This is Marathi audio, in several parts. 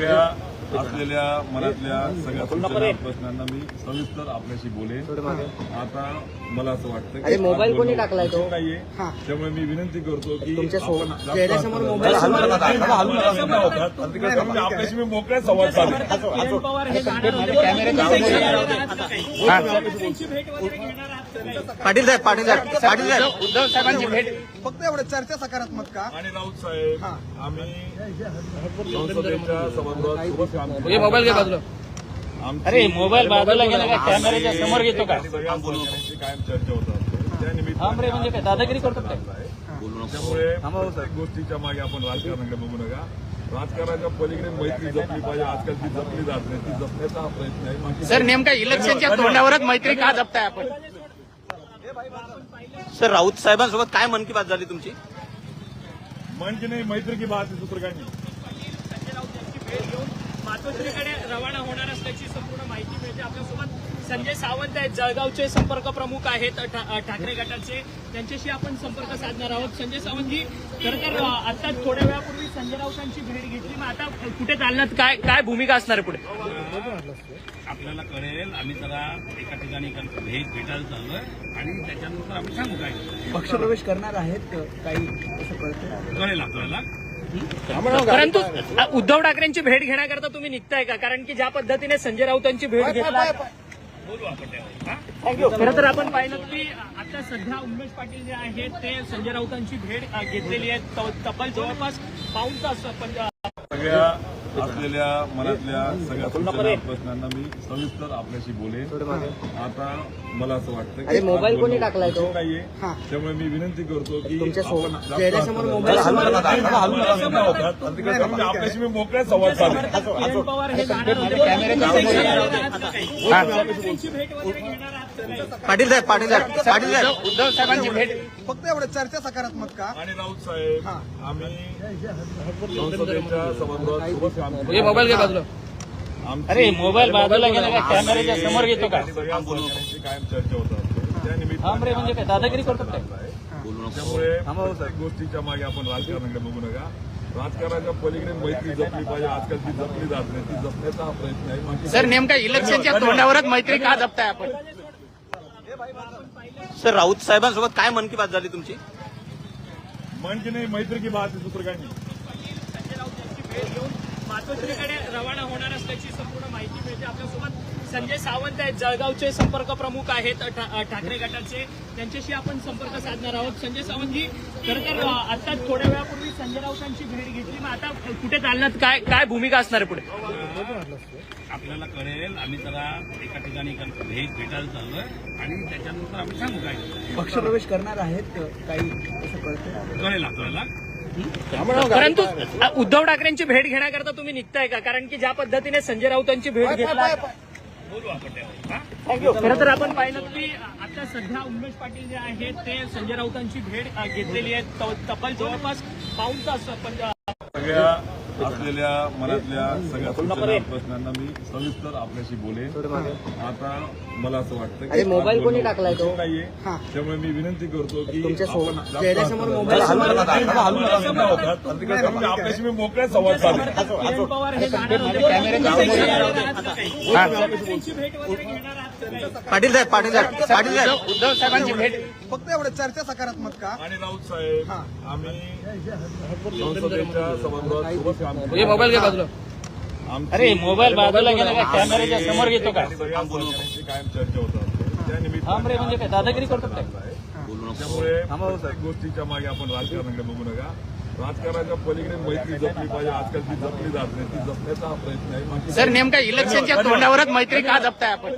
सगळ्या असलेल्या मनातल्या सगळ्या सूचना प्रश्नांना मी सविस्तर आपल्याशी बोलेन. आता मला असं वाटतं की मोबाईल कोणी टाकलाय तो नाहीये, त्यामुळे मी विनंती करतो की चेहऱ्यासमोर मोबाईल आपल्याशी मी मोकळ्या संवाद साधेन. पाटील साहेब उद्धव साहेबांची भेट फक्त एवढं चर्चा सकारात्मक का? आणि राऊत साहेब आम्ही संसदेच्या सभागृहात सोबत काम केलं. मोबाईल घे बाजूला. अरे मोबाईल बाजूला गेला का? कॅमेऱ्याच्या समोर घेतो का? सगळ्या बोलण्याची कायम चर्चा होतात. त्या म्हणजे काय दादागिरी करतो काय? त्यामुळे प्रत्येक गोष्टीच्या मागे आपण राजकारणाकडे बघू नका. राजकारणाच्या पलीकडे मैत्री जपली पाहिजे. आजकाल ती जपली जात नाही, ती जपण्याचा हा प्रयत्न आहे. सर नेमका इलेक्शनच्या तोंडावरच मैत्री का जपताय आपण? सर राऊत साहेबांसोबत काय मन की बात झाली तुमची? मन की नाही, मैत्री की बात आहे, दुसरं काय नाही. संजय राऊत यांची भेट घेऊन मातोश्रीकडे रवाना होणार असल्याची संपूर्ण माहिती मिळते. आपल्यासोबत संजय सावंत आहेत, जळगावचे संपर्क प्रमुख आहेत ठाकरे गटाचे. त्यांच्याशी आपण संपर्क साधणार आहोत. संजय सावंतजी, खरं तर आता थोड्या वेळापूर्वी संजय राऊतांची भेट घेतली, मग आता कुठे चालण्यात काय भूमिका असणार आहे पुढे? आपल्याला कळेल. आम्ही जरा एका ठिकाणी भेटायला चाललोय आणि त्याच्यानंतर आम्ही सांगू काय पक्षप्रवेश करणार आहेत काही असं कळतं? कळेल आपल्याला. परंतु उद्धव ठाकरेंची भेट घेण्याकरता तुम्ही निघताय का? कारण की ज्या पद्धतीने संजय राऊतांची भेट घेतला, बोलू आपण त्यावर. खरं तर आपण पाहिलं की आता सध्या उमेश पाटील जे आहेत ते संजय राऊतांची भेट घेतलेली आहे. तब्बल जवळपास पाऊण तास सगळ्या असलेल्या मनातल्या सगळ्या सूचना प्रश्नांना मी सविस्तर आपल्याशी बोलेन. आता मला असं वाटतं की मोबाईल कोणी टाकलाय तो नाहीये, त्यामुळे मी विनंती करतो की चेहऱ्यासमोर मोबाईल आपल्याशी मी मोकळ्या संवाद साधेन. किरण पवार हे जाणार होते. त्यांची भेट वगैरे घेणार आहात का? पाटील साहेब उद्धव साहेबांची भेट फक्त एवढं चर्चा सकारात्मक का? आणि राऊत साहेब आम्ही संसदेच्या सभागृहात सोबत काम केलं. मोबाईल घे बाजूला. मोबाईल बाजूला गेला का? कॅमेऱ्याच्या समोर घेतो का? सगळ्या बोलण्याची कायम चर्चा होतात. त्या म्हणजे काय दादागिरी करतो काय? त्यामुळे प्रत्येक गोष्टीच्या मागे आपण राजकारणाकडे बघू नका. राजकारणाच्या पलीकडे मैत्री जपली पाहिजे. आजकाल ती जपली जात नाही, ती जपण्याचा हा प्रयत्न आहे. सर नेमका इलेक्शनच्या तोंडावरच मैत्री का जपताय आपण? सर राऊत साहेबांसोबत काय मन की बात झाली तुमची? मन की नाही, मैत्री की बात आहे, दुसरं काय नाही. संजय राऊत यांची भेट घेऊन मातोश्रीकडे रवाना होणार असल्याची संपूर्ण माहिती मिळते. आपल्यासोबत संजय सावंत आहेत, जळगावचे संपर्क प्रमुख आहेत ठाकरे गटाचे. त्यांच्याशी आपण संपर्क साधणार आहोत. संजय सावंतजी, खरं तर आता थोड्या वेळापूर्वी संजय राऊतांची भेट घेतली, मग आता कुठे चालण्यात काय भूमिका असणार आहे पुढे? आपल्याला कळेल. आम्ही जरा एका ठिकाणी भेटायला चाललोय आणि त्याच्यानंतर आम्ही सांगू काय पक्षप्रवेश करणार आहेत काही असं कळतं? कळेल आपल्याला. परंतु उद्धव ठाकरेंची भेट घेण्याकरता तुम्ही निघताय का? कारण की ज्या पद्धतीने संजय राऊतांची भेट घेतला, बोलू आपण त्यावर. खरं तर आपण पाहिलं की आता सध्या उमेश पाटील जे आहेत ते संजय राऊतांची भेट घेतलेली आहे. तब्बल जवळपास पाऊण तास सगळ्या असलेल्या मनातल्या सगळ्या सूचना प्रश्नांना मी सविस्तर आपल्याशी बोलेन. आता मला असं वाटतं की मोबाईल कोणी टाकलाय तो नाहीये, त्यामुळे मी विनंती करतो की चेहऱ्यासमोर मोबाईल आपल्याशी मी मोकळ्या संवाद साधेन. किरण पवार हे जाणार होते. त्यांची भेट वगैरे घेणार आहात का? पाटील साहेब उद्धव साहेबांची भेट फक्त एवढं चर्चा सकारात्मक का? आणि राऊत साहेब आम्ही संसदेच्या सभागृहात सोबत काम केलं. मोबाईल घे बाजूला. मोबाईल बाजूला गेला का? कॅमेऱ्याच्या समोर घेतो का? सगळ्या बोलण्याची कायम चर्चा होतात. त्या म्हणजे काय दादागिरी करतो काय? त्यामुळे प्रत्येक गोष्टीच्या मागे आपण राजकारणाकडे बघू नका. राजकारणाच्या पलीकडे मैत्री जपली पाहिजे. आजकाल ती जपली जात नाही, ती जपण्याचा हा प्रयत्न आहे. सर नेमका इलेक्शनच्या तोंडावरच मैत्री का जपताय आपण?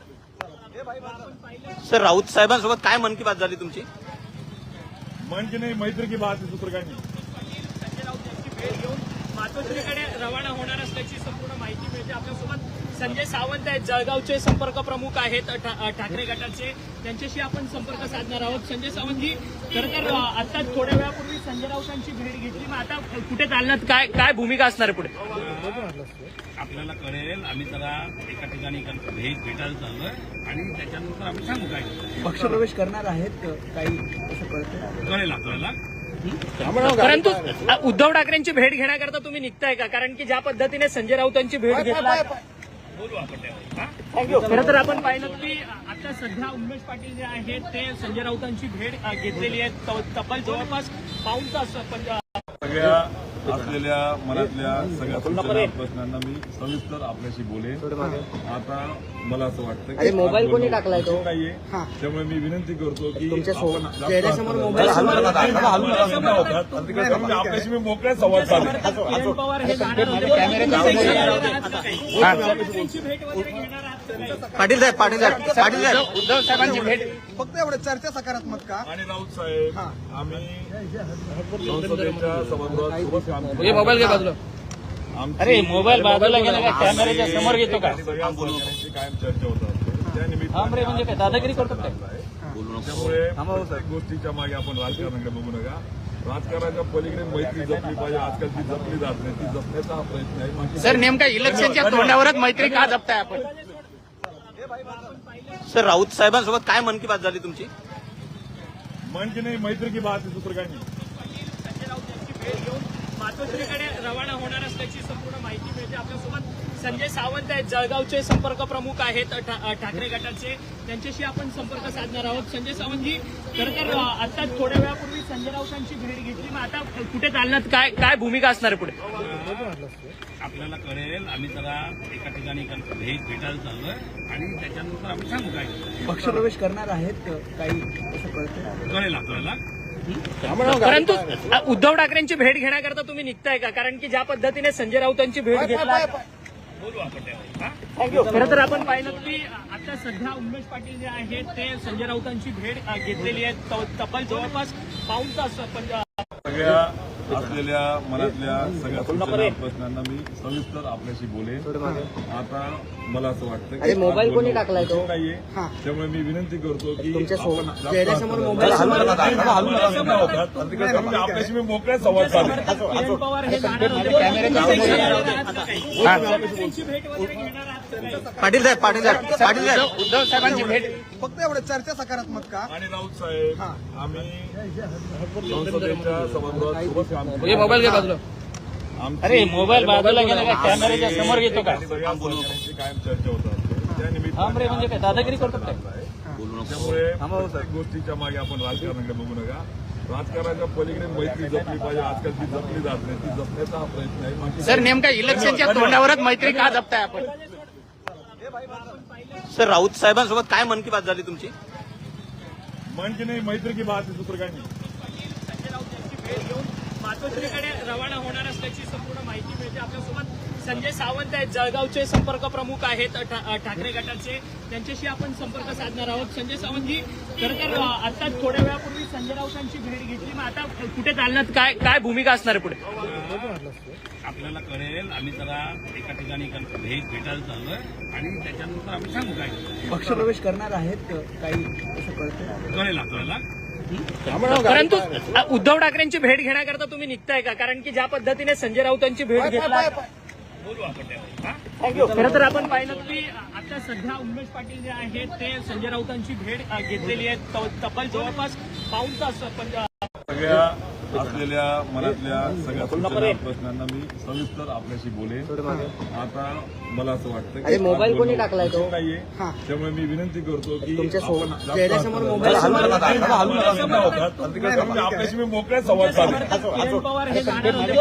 सर राऊत साहेबांसोबत काय मन की बात झाली तुमची? मन की नाही, मैत्री की बात आहे, दुसरं काय नाही. संजय राऊत यांची भेट घेऊन मातोश्रीकडे रवाना होणार असल्याची संपूर्ण माहिती मिळते. आपल्यासोबत संजय सावंत आहेत, जळगावचे संपर्क प्रमुख आहेत ठाकरे गटाचे. त्यांच्याशी आपण संपर्क साधणार आहोत. संजय सावंतजी, खरं तर आता थोड्या वेळापूर्वी संजय राऊतांची भेट घेतली, मग आता कुठे चालण्यात काय भूमिका असणार आहे पुढे? आपल्याला कळेल. आम्ही जरा एका ठिकाणी भेटायला चाललोय आणि त्याच्यानंतर आम्ही सांगू काय पक्षप्रवेश करणार आहेत काही असं कळतं? कळेल आपल्याला. परंतु उद्धव ठाकरेंची भेट घेण्याकरता तुम्ही निघताय का? कारण की ज्या पद्धतीने संजय राऊतांची भेट घेतला, बोलू आपण त्यावर हा? खरं तर आपण पाहिलं की आता सध्या उमेश पाटील जे आहेत ते संजय राऊतांची भेट घेतलेली आहे. तब्बल जवळपास पाऊण तास सगळ्या असलेल्या मनातल्या सगळ्या सूचना प्रश्नांना मी सविस्तर आपल्याशी बोलेन. आता मला असं वाटतं की मोबाईल कोणी टाकलाय तो नाहीये, त्यामुळे मी विनंती करतो की चेहऱ्यासमोर मोबाईल आपल्याशी मी मोकळ्या संवाद साधेन. किरण पवार हे जाणार होते. त्यांची भेट वगैरे घेणार आहात का काही? पाटील साहेब उद्धव साहेबांची भेट फक्त एवढं चर्चा सकारात्मक का? आणि राऊत साहेब, आम्ही संसदेच्या सभागृहात सोबत काम केलं. मोबाईल घे बाजूला. अरे मोबाईल बाजूला गेला का? कॅमेऱ्याच्या समोर घेतो का? सगळ्या सहकाऱ्यांची कायम चर्चा होत असते. त्या निमित्ताने म्हणजे काय दादागिरी करतो काय? त्यामुळे प्रत्येक गोष्टीच्या मागे आपण राजकारणाकडे बघू नका. राजकारणाच्या पलीकडे मैत्री जपली पाहिजे. आजकाल ती जपली जात नाही, ती जपण्याचा हा प्रयत्न आहे. बाकी सर नेमका इलेक्शनच्या तोंडावरच मैत्री का जपताय आपण? सर राऊत साहेबांसोबत काय मन की बात झाली तुमची? मन की नाही, मैत्री की बात आहे, दुसरं काही नाही. संजय राऊत यांची भेट घेऊन मातोश्रीकडे रवाना होणार असल्याची संपूर्ण माहिती मिळते. आपल्यासोबत संजय सावंत आहेत, जळगावचे संपर्क प्रमुख आहेत ठाकरे गटाचे. त्यांच्याशी आपण संपर्क साधणार आहोत. संजय सावंतजी, खरं तर आता थोड्या वेळापूर्वी संजय राऊतांची भेट घेतली, मग आता कुठे चालण्यात काय भूमिका असणार आहे पुढे? आपल्याला कळेल. आम्ही जरा एका ठिकाणी भेटायला चाललोय आणि त्याच्यानंतर आम्ही सांगू काय पक्षप्रवेश करणार आहेत काही असं कळतं? कळेल आपल्याला. परंतु उद्धव ठाकरेंची भेट घेण्याकरता तुम्ही निघताय का? कारण की ज्या पद्धतीने संजय राऊतांची भेट घेतला, बोलू आपण त्यावर हा? खरं तर आपण पाहिलं की आता सध्या उमेश पाटील जे आहेत ते संजय राऊतांची भेट घेतलेली आहे. तब्बल जवळपास पाऊण तास सगळ्या असलेल्या मनातल्या सगळ्या सूचना प्रश्नांना मी सविस्तर आपल्याशी बोलेन. आता मला असं वाटतं की मोबाईल कोणी टाकलाय तो नाहीये, त्यामुळे मी विनंती करतो की चेहऱ्यासमोर मोबाईल आपल्याशी मी मोकळ्या संवाद साधेन. किरण पवार हे जाणार होते. त्यांची भेट वगैरे घेणार आहात का काही? पाटील साहेब उद्धव साहेबांची भेट फक्त एवढं चर्चा सकारात्मक का? आणि राऊत साहेब, आम्ही संसदेच्या सभागृहात सोबत काम केलं. मोबाईल घे बाजूला. अरे मोबाईल बाजूला गेला का? कॅमेऱ्याच्या समोर घेतो का? सगळ्या सहकाऱ्यांची कायम चर्चा होत असते. त्या निमित्ताने म्हणजे काय दादागिरी करतो काय? त्यामुळे प्रत्येक गोष्टीच्या मागे आपण राजकारणाकडे बघू नका. राजकारणाच्या पलीकडे मैत्री जपली पाहिजे. आजकाल ती जपली जात नाही, ती जपण्याचा हा प्रयत्न आहे. बाकी सर नेमका इलेक्शनच्या तोंडावरच मैत्री का जपताय आपण? सर राऊत साहेबांसोबत काय मन की बात झाली तुमची? मन की नाही, मैत्री की बात आहे, दुसरं काही नाही. संजय राऊत यांची भेट घेऊन मातोश्रीकडे रवाना होणार असल्याची संपूर्ण माहिती मिळते. आपल्यासोबत संजय सावंत आहेत, जळगावचे संपर्क प्रमुख आहेत ठाकरे गटाचे. त्यांच्याशी आपण संपर्क साधणार आहोत. संजय सावंतजी, खरं तर आता थोड्या वेळापूर्वी संजय राऊतांची भेट घेतली, मग आता कुठे चालण्यात काय भूमिका असणार आहे पुढे? आपल्याला कळेल. आम्ही जरा एका ठिकाणी भेटायला चाललोय आणि त्याच्यानंतर आम्ही सांगू काय पक्षप्रवेश करणार आहेत काही असं कळतं? कळेल आपल्याला. परंतु उद्धव ठाकरेंची भेट घेण्याकरता तुम्ही निघताय का? कारण की ज्या पद्धतीने संजय राऊतांची भेट घेतला, बोलू आपण त्यावर हा? खरं तर आपण पाहिलं की आता सध्या उमेश पाटील जे आहेत ते संजय राऊतांची भेट घेतलेली आहे. तब्बल जवळपास पाऊण तास सगळ्या असलेल्या मनातल्या सगळ्या सूचना प्रश्नांना मी सविस्तर आपल्याशी बोलेन. आता मला असं वाटतं की मोबाईल कोणी टाकलाय तो नाहीये, त्यामुळे मी विनंती करतो की चेहऱ्यासमोर मोबाईल आपल्याशी मी मोकळ्या संवाद साधेन. किरण पवार हे जाणार होते.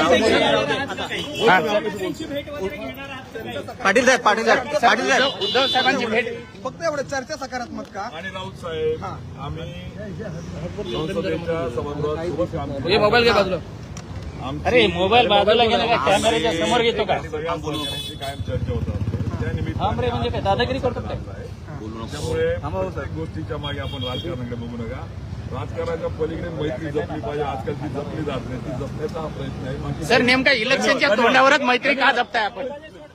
त्यांची भेट वगैरे घेणार आहात का काही? पाटील साहेब उद्धव साहेबांची भेट फक्त एवढं चर्चा सकारात्मक का? आणि राऊत साहेब, आम्ही संसदेच्या सभागृहात सोबत काम केलं. मोबाईल घे बाजूला. अरे मोबाईल बाजूला गेला का? कॅमेऱ्याच्या समोर घेतो का? सगळ्या सहकाऱ्यांची कायम चर्चा होत असते. त्या निमित्ताने म्हणजे काय दादागिरी करतो काय? त्यामुळे प्रत्येक गोष्टीच्या मागे आपण राजकारणाकडे बघू नका. राजकारणाच्या पलीकडे मैत्री जपली पाहिजे. आजकाल ती जपली जात नाही, ती जपण्याचा हा प्रयत्न आहे. बाकी सर नेमका इलेक्शनच्या तोंडावरच मैत्री का जपताय आपण?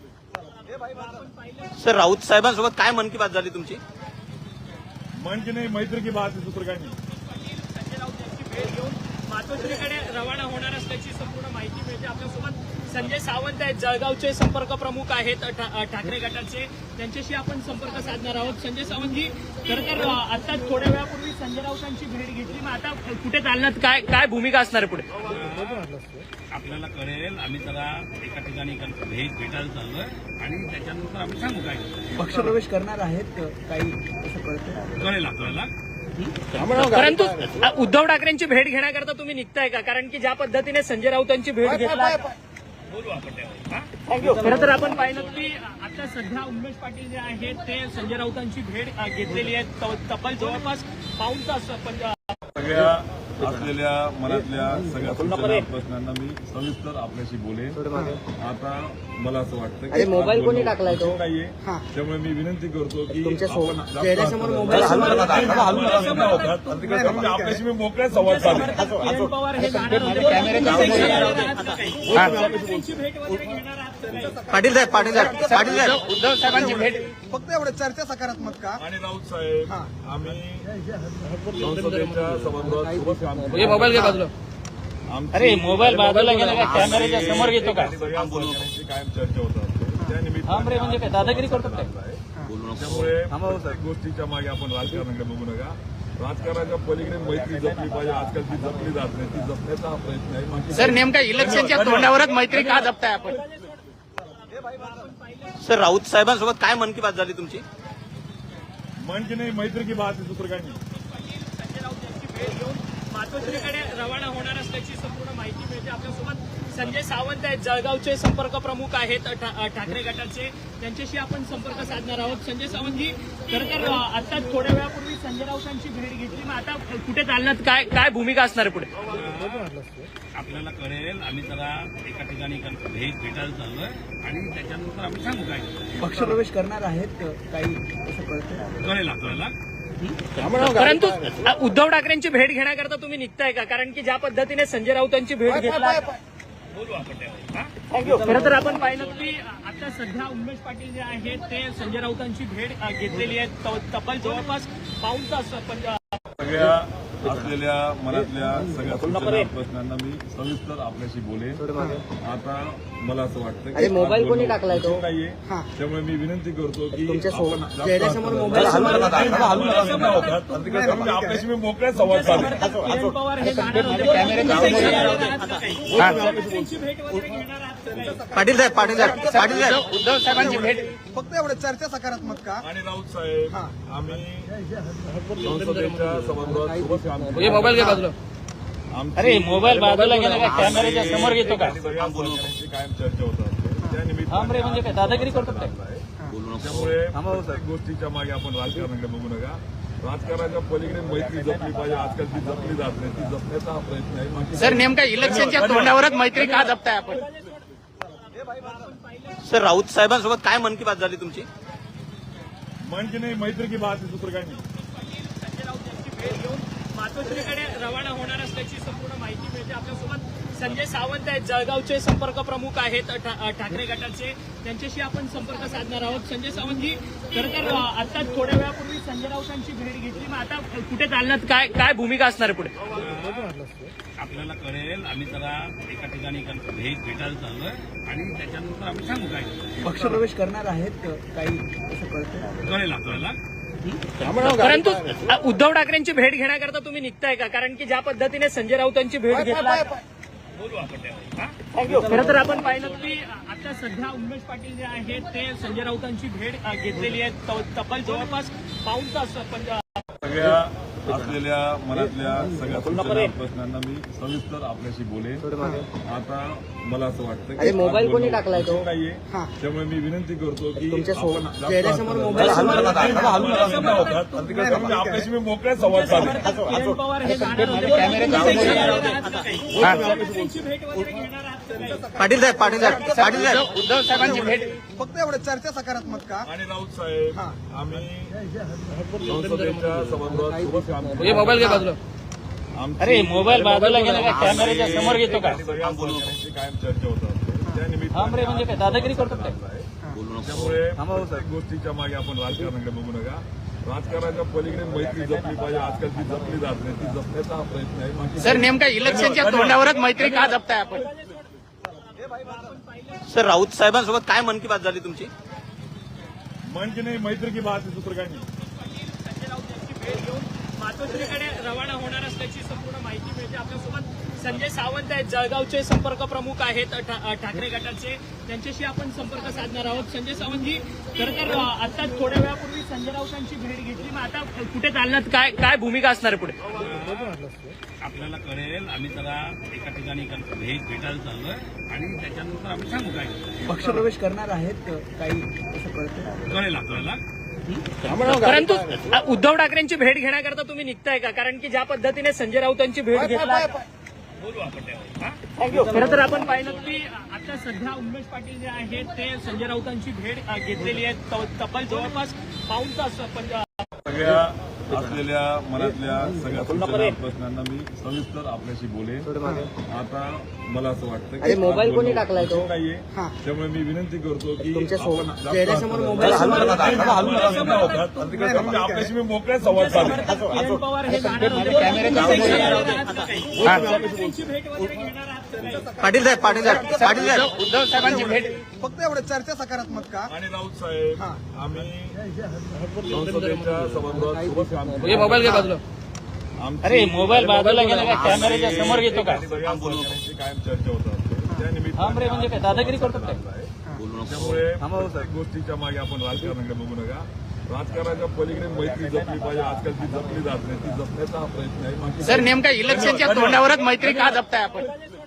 सर राऊत साहेबांसोबत काय मन की बात झाली तुमची? मन की नाही, मैत्री की बात आहे, दुसरं काही नाही. संजय राऊत यांची भेट घेऊन मातोश्रीकडे रवाना होणार असल्याची संपूर्ण माहिती मिळते. आपल्यासोबत संजय सावंत आहेत, जळगावचे संपर्क प्रमुख आहेत ठाकरे गटाचे. त्यांच्याशी आपण संपर्क साधणार आहोत. संजय सावंतजी, खरं तर आता थोड्या वेळापूर्वी संजय राऊतांची भेट घेतली, मग आता कुठे चालण्यात काय काय भूमिका असणार आहे पुढे? आपल्याला कळेल. आम्ही जरा एका ठिकाणी भेटायला चाललोय आणि त्याच्यानंतर आम्ही सांगू काय पक्षप्रवेश करणार आहेत काही असं कळतं. कळेल आपल्याला. परंतु उद्धव ठाकरेंची भेट घेण्याकरता तुम्ही निघताय का? कारण की ज्या पद्धतीने संजय राऊतांची भेट घेतला, बोलू आपण त्यावर. हा? खरं तर आपण पाहिलं की आता सध्या उमेश पाटील जे आहेत ते संजय राऊतांची भेट घेतलेली आहे. तब्बल जवळपास पाऊण तास सगळ्या असलेल्या मनातल्या सगळ्या सूचना प्रश्नांना मी सविस्तर आपल्याशी बोलेन. आता मला असं वाटतं की मोबाईल कोणी टाकलाय तो नाहीये, त्यामुळे मी विनंती करतो की चेहऱ्यासमोर मोबाईल आपल्याशी मी मोकळ्या संवाद साधेन. किरण पवार हे जाणार होते. त्यांची भेट वगैरे घेणार आहात का काही? पाटील साहेब उद्धव साहेबांची भेट फक्त एवढं चर्चा सकारात्मक का? आणि राऊत साहेब आम्ही संसदेच्या सभागृहात सोबत काम केलं. मोबाईल घे बाजूला. अरे मोबाईल बाजूला गेला का? कॅमेऱ्याच्या समोर घेतो का? सगळ्या सहकाऱ्यांची कायम चर्चा होत असते. त्या म्हणजे काय दादागिरी करतो काय? त्यामुळे प्रत्येक गोष्टीच्या मागे आपण राजकारणाकडे बघू नका. राजकारणाच्या पलीकडे मैत्री जपली पाहिजे. आजकाल ती जपली जात नाही, ती जपण्याचा हा प्रयत्न आहे. सर नेमका इलेक्शनच्या तोंडावरच मैत्री का जपताय आपण? सर राऊत साहेबांसोबत काय मन की बात झाली तुमची? मन की नाही, मैत्री की बात आहे, दुसरं काही नाही. संजय राऊत यांची भेट घेऊन मातोश्रीकडे रवाना होणार असल्याची संपूर्ण माहिती मिळते. आपल्यासोबत संजय सावंत आहेत, जळगावचे संपर्क प्रमुख आहेत ठाकरे गटाचे. त्यांच्याशी आपण संपर्क साधणार आहोत. संजय सावंतजी, खरं तर आता थोड्या वेळापूर्वी संजय राऊतांची भेट घेतली, मग आता कुठे चालण्यात काय काय भूमिका असणार आहे पुढे? आपल्याला कळेल. आम्ही जरा एका ठिकाणी भेटायला चाललोय आणि त्याच्यानंतर आम्ही सांगू काय पक्षप्रवेश करणार आहेत काही असं कळतं. कळेल आपल्याला. परंतु उद्धव ठाकरेंची भेट घेण्याकरता तुम्ही निघताय का? कारण की ज्या पद्धतीने संजय राऊतांची भेट घेतला, बोलू आपण त्यावर. हा? खरं तर आपण पाहिलं की आता सध्या उमेश पाटील जे आहेत ते संजय राऊतांची भेट घेतलेली आहे. तब्बल जवळपास पाऊण तास सगळ्या असलेल्या मनातल्या सगळ्या सूचना प्रश्नांना मी सविस्तर आपल्याशी बोलेन. आता मला असं वाटतं की मोबाईल कोणी टाकलाय तो नाहीये, त्यामुळे मी विनंती करतो की चेहऱ्यासमोर मोबाईल आपल्याशी मी मोकळ्या संवाद साधेन. किरण पवार हे जाणार होते. त्यांची भेट वगैरे घेणार आहात का काही? पाटील साहेब उद्धव साहेबांची भेट फक्त एवढं चर्चा सकारात्मक का? आणि राऊत साहेब आम्ही संसदेच्या सभागृहात सोबत काम केलं. मोबाईल घे बाजूला. अरे मोबाईल बाजूला गेला का? कॅमेऱ्याच्या समोर घेतो का? सगळ्या सहकाऱ्यांची कायम चर्चा होत असते. त्या निमित्ताने म्हणजे काय दादागिरी करतो काय? त्यामुळे प्रत्येक गोष्टीच्या मागे आपण राजकारणाकडे बघू नका. राजकारणाच्या पलीकडे मैत्री जपली पाहिजे. आजकाल ती जपली जात नाही, ती जपण्याचा हा प्रयत्न आहे. सर नेमका इलेक्शनच्या तोंडावरच मैत्री का जपताय आपण? सर राऊत साहेबांसोबत काय मन की बात झाली तुमची? मन की नाही, मैत्री की बात आहे, दुसरं काही नाही. संजय राऊत यांची भेट घेऊन मातोश्रीकडे रवाना होणार असल्याची संपूर्ण माहिती मिळते. आपल्यासोबत संजय सावंत आहेत, जळगावचे संपर्क प्रमुख आहेत ठाकरे गटाचे. त्यांच्याशी आपण संपर्क साधणार आहोत. संजय सावंतजी, खरं तर आता थोड्या वेळापूर्वी संजय राऊतांची भेट घेतली, मग आता कुठे चालण्यात काय काय भूमिका असणार आहे पुढे? आपल्याला कळेल. आम्ही जरा एका ठिकाणी भेटायला चाललोय आणि त्याच्यानंतर आम्ही सांगू काय पक्षप्रवेश करणार आहेत काही असं कळतं. कळेल आपल्याला. परंतु उद्धव ठाकरेंची भेट घेण्याकरता तुम्ही निघताय का? कारण की ज्या पद्धतीने संजय राऊतांची भेट घेतला, बोलू आपण त्यावर. हा? खरं तर आपण पाहिलं की आता सध्या उमेश पाटील जे आहेत ते संजय राऊतांची भेट घेतलेली आहे. तब्बल जवळपास पाऊण तास सगळ्या असलेल्या मनातल्या सगळ्या सूचना प्रश्नांना मी सविस्तर आपल्याशी बोलेन. आता मला असं वाटतं की मोबाईल कोणी टाकलाय तो नाहीये, त्यामुळे मी विनंती करतो की चेहऱ्यासमोर मोबाईल आपल्याशी मी मोकळ्या संवाद साधेन. किरण पवार हे जाणार होते. त्यांची भेट वगैरे घेणार आहात का काही? पाटील साहेब उद्धव साहेबांची भेट फक्त एवढं चर्चा सकारात्मक का? आणि राऊत साहेब आम्ही संसदेच्या सभागृहात सोबत काम केलं. मोबाईल घे बाजूला. अरे मोबाईल बाजूला गेला का? कॅमेऱ्याच्या समोर घेतो का? सगळ्या सहकाऱ्यांची कायम चर्चा होत असते. त्या निमित्ताने म्हणजे काय दादागिरी करतो काय? त्यामुळे प्रत्येक गोष्टीच्या मागे आपण राजकारणाकडे बघू नका. राजकारणाच्या पलीकडे मैत्री जपली पाहिजे. आजकाल ती जपली जात नाही, ती जपण्याचा हा प्रयत्न आहे. सर नेमका इलेक्शनच्या तोंडावरच मैत्री का जपताय आपण? सर राऊत साहेबांसोबत काय मन की बात झाली तुमची? मन की नाही, मैत्री की बात आहे, दुसरं काही नाही. संजय राऊत यांची भेट घेऊन मातोश्रीकडे रवाना होणार असल्याची संपूर्ण माहिती मिळते. आपल्यासोबत संजय सावंत आहेत, जळगावचे संपर्क प्रमुख आहेत ठाकरे गटाचे. त्यांच्याशी आपण संपर्क साधणार आहोत. संजय सावंतजी, खरं तर आता थोड्या वेळापूर्वी संजय राऊतांची भेट घेतली, मग आता कुठे चालणार, काय भूमिका असणार आहे पुढे? आपल्याला कळेल. आम्ही जरा एका ठिकाणी भेटायला चाललोय आणि त्याच्यानंतर आम्ही सांगू काय पक्षप्रवेश करणार आहेत काही असं कळतं. कळेल आपल्याला. परंतु उद्धव ठाकरेंची भेट घेण्याकरता तुम्ही निघताय का? कारण की ज्या पद्धतीने संजय राऊतांची भेट घेतला, बोलू आपण त्यावर. खरं तर आपण पाहिलं की आता सध्या उमेश पाटील जे आहेत ते संजय राऊतांची भेट घेतलेली आहे. तब्बल जवळपास पाऊण तास सगळ्या असलेल्या मनातल्या सगळ्या सूचना प्रश्नांना मी सविस्तर आपल्याशी बोलेन. आता मला असं वाटतं की मोबाईल कोणी टाकलाय तो? नाहीये, त्यामुळे मी विनंती करतो की चेहऱ्यासमोर मोबाईल आपल्याशी मी मोकळ्या संवाद साधेन. किरण पवार हे जाणार होते. त्यांची भेट वगैरे घेणार आहात का काही? पाटील साहेब उद्धव साहेबांची भेट फक्त एवढं चर्चा सकारात्मक का? आणि राऊत साहेब, आम्ही संसदेच्या सभागृहात सोबत काम केलं. मोबाईल घे बाजूला. अरे, मोबाईल बाजूला गेला का? कॅमेऱ्याच्या समोर घेतो का? सगळ्या सहकाऱ्यांची कायम चर्चा होत असते. त्या निमित्ताने म्हणजे काय दादागिरी करतो काय? त्यामुळे प्रत्येक गोष्टीच्या मागे आपण राजकारणाकडे बघू नका. राजकारणाच्या पलीकडे मैत्री जपली पाहिजे. आजकाल ती जपली जात नाही, ती जपण्याचा हा प्रयत्न आहे. बाकी सर, नेमका इलेक्शनच्या तोंडावरच मैत्री का जपताय आपण?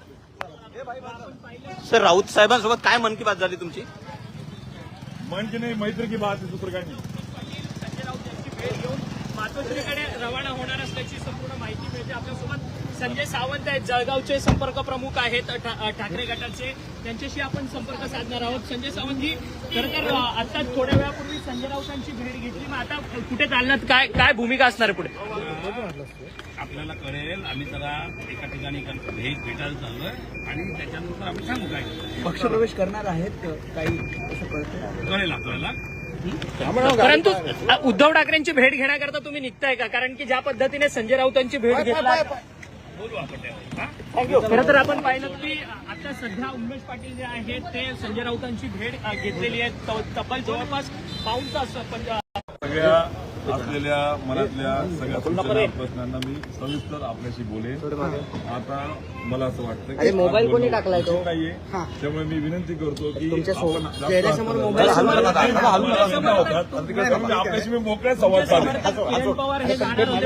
सर, राऊत साहेबांसोबत काय मन की बात झाली तुमची? मन की नाही, मैत्री की बात आहे, दुसरं काही नाही. संजय राऊत यांची भेट घेऊन मातोश्रीकडे रवाना होणार असल्याची संपूर्ण माहिती मिळते. आपल्यासोबत संजय सावंत आहेत, जळगावचे संपर्क प्रमुख आहेत ठाकरे गटाचे. त्यांच्याशी आपण संपर्क साधणार आहोत. संजय सावंतजी, खरं तर आता थोड्या वेळापूर्वी संजय राऊतांची भेट घेतली, मग आता कुठे चालणार, काय भूमिका असणार आहे पुढे? आपल्याला कळेल. आम्ही जरा एका ठिकाणी भेटायला चाललोय आणि त्याच्यानंतर आम्ही सांगू काय पक्षप्रवेश करणार आहेत काही असं कळतं. कळेल आपल्याला. परंतु उद्धव ठाकरेंची भेट घेण्याकरता तुम्ही निघताय का? कारण की ज्या पद्धतीने संजय राऊतांची भेट घेतला, बोलू आपण त्यावर. खरं तर आपण पाहिलं की आता सध्या उमेश पाटील जे आहेत ते संजय राऊतांची भेट घेतलेली आहे. तब्बल जवळपास पाऊण तास सगळ्या असलेल्या मनातल्या सगळ्या सूचना प्रश्नांना मी सविस्तर आपल्याशी बोलेन. आता मला असं वाटतं की मोबाईल कोणी टाकलाय तो? नाहीये, त्यामुळे मी विनंती करतो की चेहऱ्यासमोर मोबाईल आपल्याशी मी मोकळ्या संवाद साधेन. किरण पवार हे जाणार होते.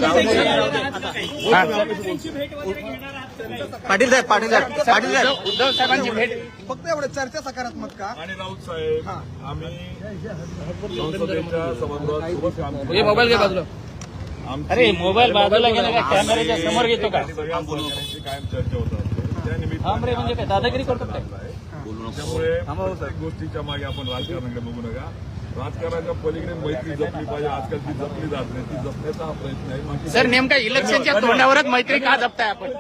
त्यांची भेट वगैरे घेणार आहात का काही? पाटील साहेब उद्धव साहेबांची भेट. फक्त एवढं चर्चा सकारात्मक का? आणि राऊत साहेब, आम्ही संसदेच्या सभागृहात सोबत काम केलं. मोबाईल घे बाजूला. अरे, मोबाईल बाजूला गेला का? कॅमेऱ्याच्या समोर घेतो का? सगळ्या सहकाऱ्यांची कायम चर्चा होत असते. त्या निमित्ताने म्हणजे काय दादागिरी करतो काय? त्यामुळे प्रत्येक गोष्टीच्या मागे आपण राजकारणाकडे बघू नका. राजकारणाच्या पलीकडे मैत्री जपली पाहिजे. आजकाल ती जपली जात नाही, ती जपण्याचा हा प्रयत्न आहे. बाकी सर, नेमका इलेक्शनच्या तोंडावरच मैत्री का जपताय आपण?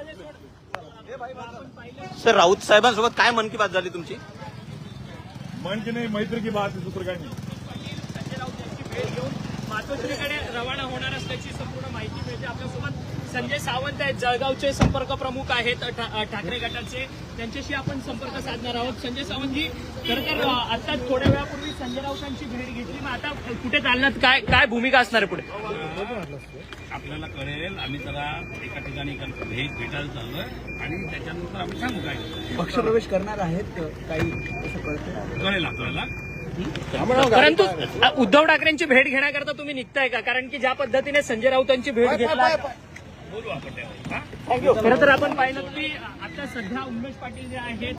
सर, राऊत साहेबांसोबत काय मन की बात झाली तुमची? मन की नाही, मैत्री की बात आहे, दुसरं काही नाही. संजय राऊत यांची भेट घेऊन मातोश्रीकडे रवाना होणार असल्याची संपूर्ण माहिती मिळते. आपल्यासोबत संजय सावंत आहेत, जळगावचे संपर्क प्रमुख आहेत ठाकरे गटाचे. त्यांच्याशी आपण संपर्क साधणार आहोत. संजय सावंतजी, खरं तर आता थोड्या वेळापूर्वी संजय राऊतांची भेट घेतली, मग आता कुठे चालणार, काय भूमिका असणार आहे पुढे? आपल्याला कळेल. आम्ही जरा एका ठिकाणी भेटायला चाललोय आणि त्याच्यानंतर आम्ही सांगू काय पक्षप्रवेश करणार आहेत काही असं कळतं. कळेल आपल्याला. परंतु उद्धव ठाकरेंची भेट घेण्याकरता तुम्ही निघताय का? कारण की ज्या पद्धतीने संजय राऊतांची भेट घेतला, बोलू आपण त्यावर. खरं तर आपण पाहिलं की आता सध्या उमेश पाटील जे आहेत